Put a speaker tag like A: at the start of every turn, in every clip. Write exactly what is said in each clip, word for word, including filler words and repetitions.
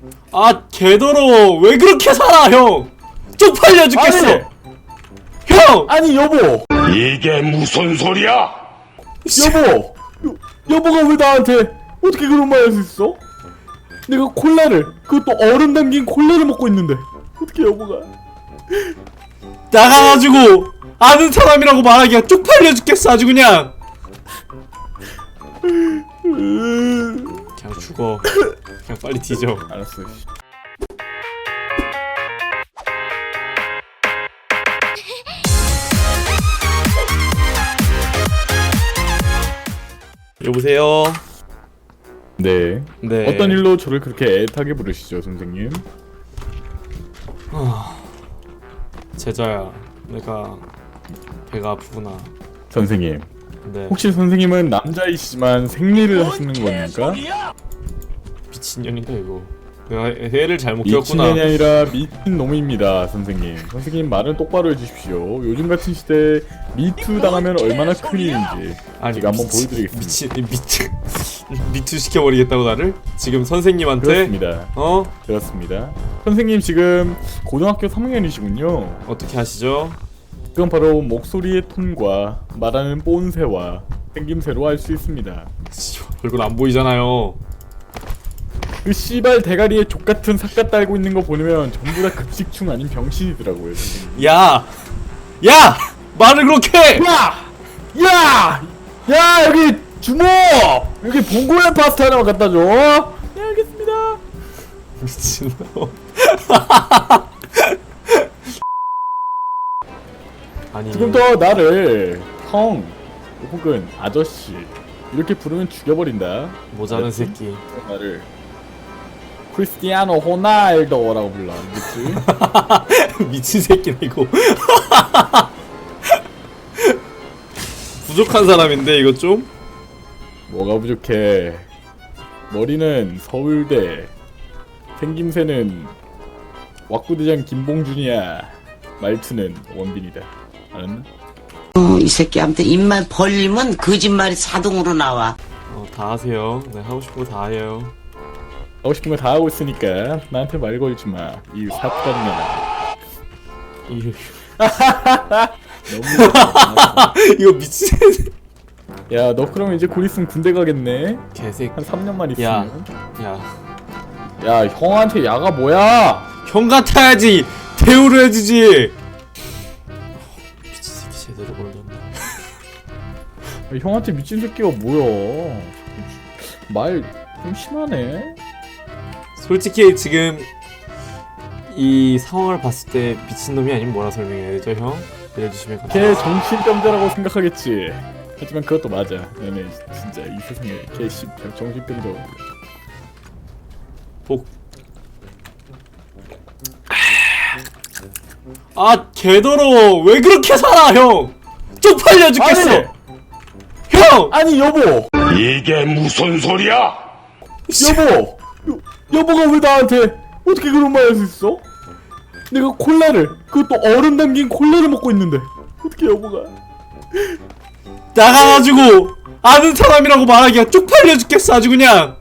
A: 아 개더러워. 왜 그렇게 살아 형? 쪽팔려 죽겠어.
B: 아니,
A: 형!
B: 아니 여보
C: 이게 무슨 소리야?
B: 여보 여, 여보가 왜 나한테 어떻게 그런 말 할 수 있어? 내가 콜라를 그것도 얼음 담긴 콜라를 먹고 있는데 어떻게 여보가
A: 나가가지고 아는 사람이라고 말하기가 쪽팔려 죽겠어 아주 그냥. 그냥 죽어. 그냥 빨리 뒤져.
B: 알았어.
A: 여보세요.
B: 네.
A: 네.
B: 어떤 일로 저를 그렇게 애타게 부르시죠, 선생님?
A: 제자야, 내가 배가 아프구나.
B: 선생님.
A: 네.
B: 혹시 선생님은 남자이시지만 생리를 하시는 겁니까?
A: 미친년인가 이거. 내가 애를 잘못 키웠구나.
B: 미친년이 아니라 미친 놈입니다, 선생님. 선생님 말은 똑바로 해주십시오. 요즘 같은 시대에 미투 당하면 얼마나 큰일인지
A: 아니,
B: 제가 한번
A: 미치,
B: 보여드리겠습니다.
A: 미친 미투 미투 시켜버리겠다고 나를? 지금 선생님한테?
B: 그렇습니다.
A: 어?
B: 그렇습니다. 선생님 지금 고등학교 삼 학년이시군요.
A: 어떻게 하시죠?
B: 그건 바로 목소리의 톤과 말하는 본새와 생김새로 알 수 있습니다.
A: 씨, 얼굴 안 보이잖아요.
B: 그 씨발 대가리에 족같은 삭가 딸고 있는 거 보면 전부 다 급식충 아닌 병신이더라고요, 선생님.
A: 야! 야! 말을 그렇게 해!
B: 야! 야! 야, 여기 주모! 여기 봉골레 파스타 하나만 갖다 줘. 네, 알겠습니다.
A: 미친놈. 아니
B: 지금부터 나를 형 혹은 아저씨 이렇게 부르면 죽여버린다.
A: 모자란
B: 알았지?
A: 새끼.
B: 나를 크리스티아노 호날두라고 불러. 알겠지?
A: 미친 새끼네 이거. 부족한 사람인데 이거 좀?
B: 뭐가 부족해? 머리는 서울대, 생김새는 왁구대장 김봉준이야. 말투는 원빈이다. 알았나?
D: 어, 이 새끼한테 입만 벌리면 거짓말이 자동으로 나와.
A: 어, 다 하세요. 네, 하고 싶은 거 다 해요.
B: 하고 싶은 거 다 하고 있으니까 나한테 말 걸지 마. 이 사탄년아.
A: 이
B: 너무
A: 이거 미친
B: 야, 너 그러면 이제 곧 있으면 군대 가겠네?
A: 개새끼.
B: 한 삼 년만
A: 야,
B: 있으면?
A: 야,
B: 야, 형한테 야가 뭐야?
A: 형 같아야지 대우를 해주지. 미친 새끼 제대로 걸렸네.
B: 야, 형한테 미친 새끼가 뭐야? 말 좀 심하네?
A: 솔직히 지금 이 상황을 봤을 때 미친놈이 아니면 뭐라 설명해야 되죠, 형? 알려주시면
B: 걔
A: 감사합니다.
B: 정신병자라고 생각하겠지. 하지만 그것도 맞아. 얘네 진짜 이 세상에 걔 씨, 정신병자.
A: 복. 아 개더러워. 왜 그렇게 살아 형? 쪽팔려 죽겠어.
B: 아니!
A: 형!
B: 아니 여보!
C: 이게 무슨 소리야?
B: 여보! 여, 여보가 왜 나한테 어떻게 그런 말 할 수 있어? 내가 콜라를 그것도 얼음 담긴 콜라를 먹고 있는데 어떻게 여보가
A: 나가가지고 아는 사람이라고 말하기가 쪽팔려 죽겠어 아주 그냥.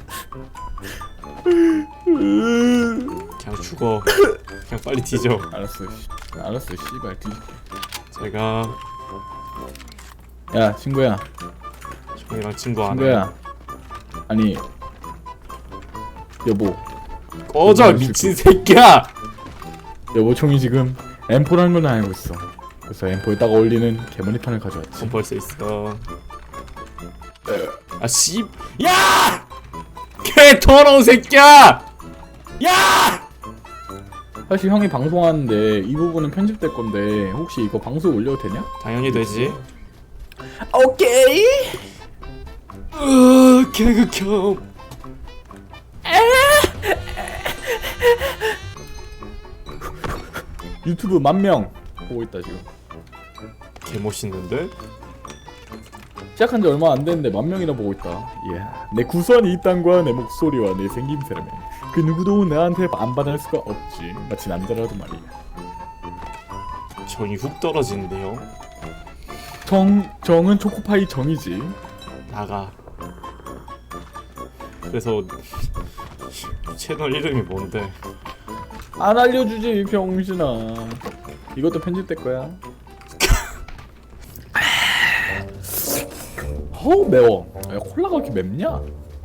A: 그냥 죽어. 그냥 빨리 뒤져.
B: 알았어 씨. 알았어 씨발 뒤.
A: 제가
B: 야 친구야
A: 형이랑 친구 안 해.
B: 친구야 아니 여보
A: 꺼져 미친 새끼야.
B: 여보 총이 지금 엠포라는 걸 알고 있어. 그래서 엠포에다가 어울리는 개머리탄을 가져왔지.
A: 돈 벌써 있어. 아 씨. 야! 개 더러운 새끼야. 야!
B: 사실 형이 방송하는데 이 부분은 편집될 건데 혹시 이거 방송 올려도 되냐?
A: 당연히 되지.
B: 오케이.
A: 으 개극혐.
B: 유튜브 만 명 보고 있다 지금.
A: 개 멋있는데?
B: 시작한 지 얼마 안 됐는데 만 명이나 보고 있다. 이야, 내 구수한 입담과 내 목소리와 내 생김새라면 그 누구도 나한테 반반할 수가 없지. 마치 남자라도 말이야.
A: 정이 훅 떨어지는데요.
B: 정 정은 초코파이 정이지.
A: 나가. 그래서 채널 이름이 뭔데?
B: 안 알려주지 병신아. 이것도 편집될 거야. 어우 매워. 야, 콜라가 왜 이렇게 맵냐?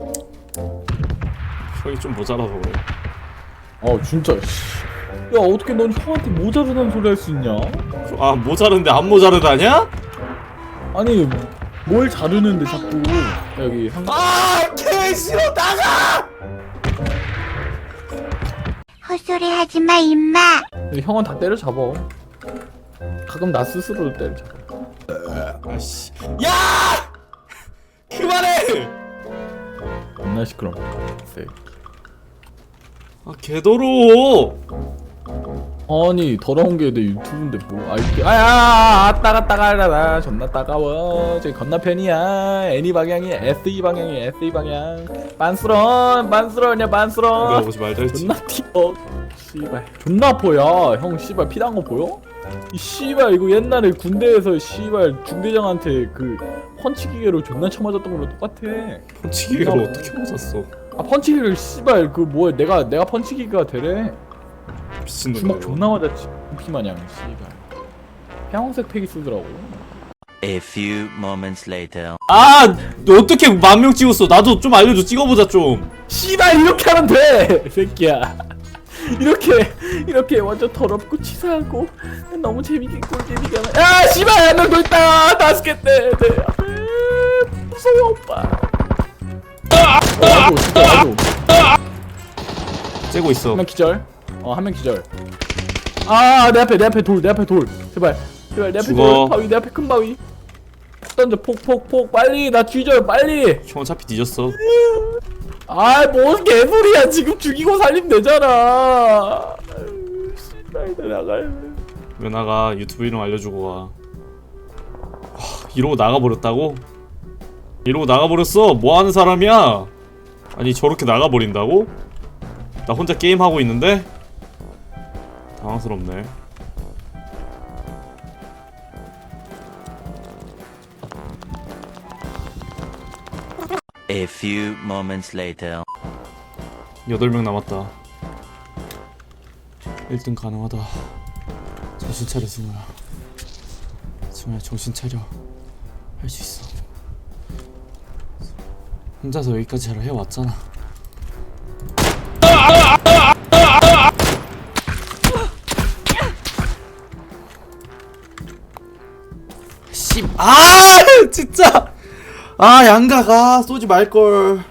A: 형이 좀 모자라서 그래.
B: 어 진짜 씨. 야 어떻게 넌 형한테 모자르다는 소리 할 수 있냐?
A: 아 모자른데 안 모자르다냐?
B: 아니 뭘 자르는데 자꾸 여기 한
A: 아, 개 싫어 나가!
E: 헛소리 하지마 임마.
B: 형은 다 때려잡아. 가끔 나 스스로도 때려잡아.
A: 아씨, 야! 그만해!
B: 겁나 시끄러워. 새끼.
A: 아 개더러워.
B: 아니 더러운 게 내 유튜브인데 뭐 알게 아야 아따가 따가라 존나 따가워. 저기 건너편이야. 애니 방향이 에스이 방향이 에스이 방향. 빤스런 빤스런이야
A: 내가
B: 빤스런.
A: 보지 말자 했지.
B: 존나 튀어. 씨발 존나 아파야. 형 씨발 피난 거 보여? 이 씨발 이거 옛날에 군대에서 씨발 중대장한테 그 펀치 기계로 존나 쳐맞았던 거랑 똑같아.
A: 펀치기를 어떻게 맞았어?
B: 아 펀치 기계를 씨발 그 뭐야 내가 내가 펀치 기계가 되래.
A: 미친놈.
B: 주먹 존나 맞았지. 피마냥 씨발. 형색 팩이 쓰더라고.
F: A few moments later.
A: 아, 너 어떻게 만 명 찍었어? 나도 좀 알려줘. 찍어보자 좀.
B: 씨발 이렇게 하면 돼. 이 새끼야. 이렇게 이렇게 완전 더럽고 치사하고 너무 재밌게 꿀잼이게 하면 야 씨발 한 명 더 있다. 다섯 개 때. 네. 무서워 오빠. 어, 와줘 진짜 와줘.
A: 째고 있어.
B: 한 명 기절. 어 한 명 기절. 아 내 앞에 내 앞에 돌 내 앞에 돌. 제발 제발 내 앞에
A: 죽어.
B: 돌 바위 내 앞에 큰 바위. 폭 던져 폭 폭 폭 빨리 나 뒤져 빨리.
A: 형 어차피 뒤졌어.
B: 아뭔 개소리야 지금 죽이고 살리면 되잖아. 씨발 나가요.
A: 왜 나가? 유튜브 이름 알려주고 가. 와, 이러고 나가버렸다고? 이러고 나가버렸어? 뭐하는 사람이야? 아니 저렇게 나가버린다고? 나 혼자 게임하고 있는데? 당황스럽네.
F: A few moments later.
A: 여덟 명 남았다. 일 등 가능하다. 정신 차려 승우야. 승우야 정신 차려. 할 수 있어. 혼자서 여기까지 잘 해왔잖아. 씨, 아 진짜. 아 양가가 쏘지 말걸.